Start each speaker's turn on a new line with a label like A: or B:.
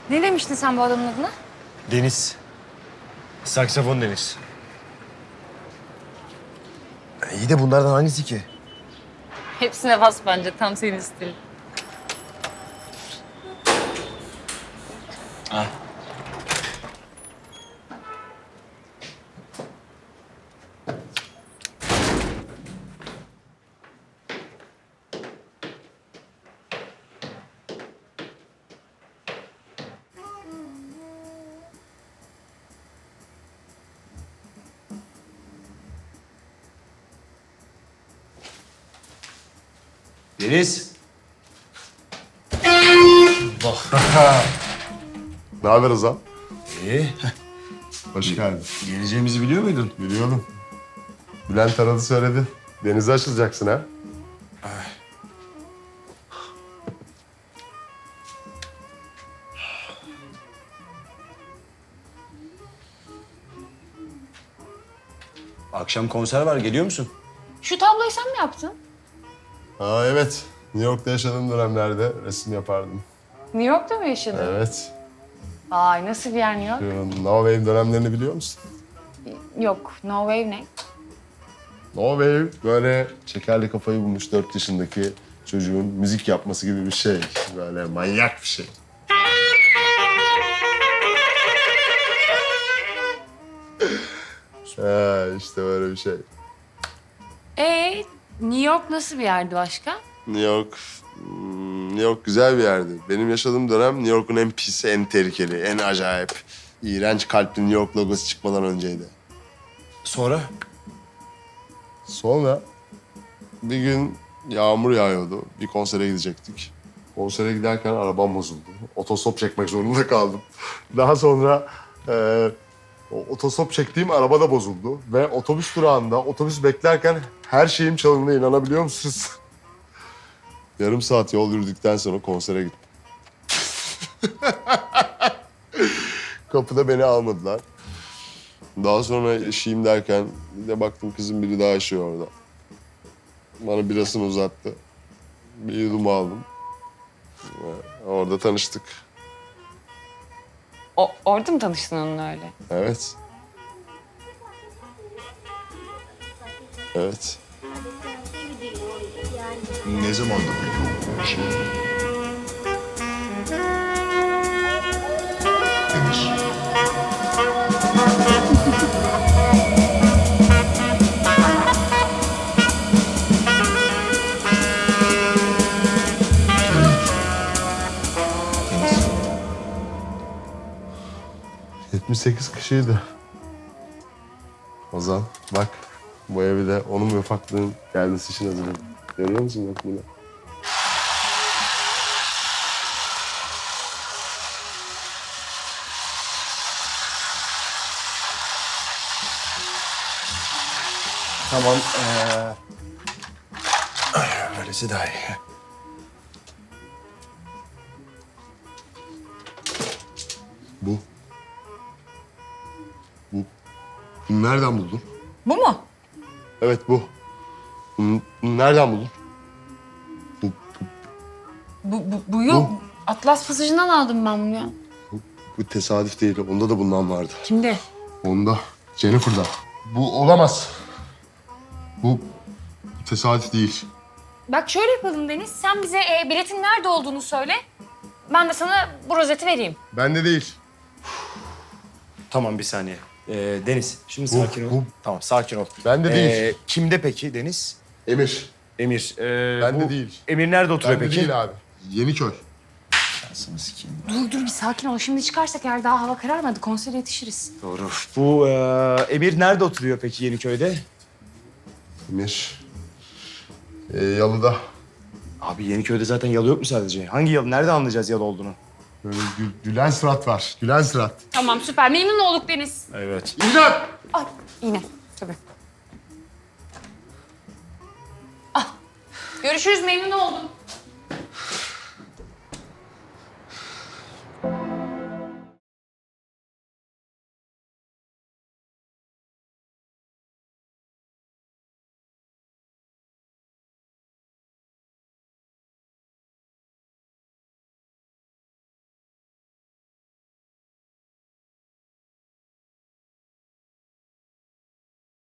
A: Ne demiştin sen bu adamın adına?
B: Deniz. Saksafon Deniz. İyi de bunlardan hangisi ki?
A: Hepsine bas bence. Tam senin stilin.
B: Ha. Deniz.
C: Ne haber Ozan?
B: İyi.
C: Hoş geldin.
B: Geleceğimizi biliyor muydun?
C: Biliyordum. Bülent aradı söyledi. Denize açılacaksın ha?
B: Akşam konser var. Geliyor musun?
A: Şu tabloyu sen mi yaptın?
C: Ha evet. New York'ta yaşadığım dönemlerde resim yapardım.
A: New York'ta mı yaşadın?
C: Evet.
A: Ay nasıl bir yer New York?
C: Şu No Wave dönemlerini biliyor musun?
A: Yok. No Wave ne?
C: No Wave böyle şekerli kafayı bulmuş 4 yaşındaki çocuğun müzik yapması gibi bir şey. Böyle manyak bir şey. İşte böyle bir şey.
A: New York nasıl bir yerdi başka?
C: New York güzel bir yerdi. Benim yaşadığım dönem New York'un en pis, en tehlikeli, en acayip, iğrenç kalpli New York logosu çıkmadan önceydi.
B: Sonra?
C: Sonra bir gün yağmur yağıyordu. Bir konsere gidecektik. Konsere giderken arabam bozuldu. Otostop çekmek zorunda kaldım. Daha sonra o otostop çektiğim araba da bozuldu. Ve otobüs durağında otobüs beklerken her şeyim çalındı. İnanabiliyor musunuz? Yarım saat yol yürüdükten sonra konsere gittim. Kapıda beni almadılar. Daha sonra eşiyim derken bir de baktım kızım biri daha yaşıyor orada. Bana birasını uzattı. Bir yudum aldım. Ve orada tanıştık.
A: Orada mı tanıştın onunla öyle?
C: Evet. Evet.
B: Ne zamandı peki o şey? Deniz.
C: 78 kişiydi. Ozan bak bu evi de onun ve ufaklığın gelmesi için hazırladım. Görüyor musun bak bunu?
B: Tamam. Öylesi daha iyi.
C: Bu. Bunu nereden buldun?
A: Bu mu?
C: Evet bu. Bunu nereden buldun?
A: Bu yok. Atlas pasajından aldım ben bunu ya.
C: Bu tesadüf değil. Onda da bundan vardı.
A: Kimde?
C: Onda. Jennifer'da. Bu olamaz. Bu tesadüf değil.
A: Bak şöyle yapalım Deniz. Sen bize biletin nerede olduğunu söyle. Ben de sana bu rozeti vereyim.
C: Bende değil.
B: Tamam bir saniye. Deniz, şimdi
C: Bu,
B: sakin ol.
C: bu.
B: Tamam, sakin ol.
C: Bende değil.
B: Kimde peki Deniz?
C: Emir.
B: Emir.
C: Bende
B: bu
C: değil.
B: Emir nerede oturuyor
C: Bende
B: peki?
C: değil abi. Yeniköy.
B: Anasını sikeyim.
A: Dur bir sakin ol. Şimdi çıkarsak eğer daha hava kararmadı konsere yetişiriz.
B: Doğru. Bu Emir nerede oturuyor peki Yeniköy'de?
C: Emir. Yalıda.
B: Abi Yeniköy'de zaten yalı yok mu sadece? Hangi yalı? Nerede anlayacağız yalı olduğunu?
C: Böyle gülen surat var. Gülen surat.
A: Tamam süper. Memnun olduk Deniz.
B: Evet.
C: İmdat!
A: Ay yine tabii. Ah. Görüşürüz memnun oldum.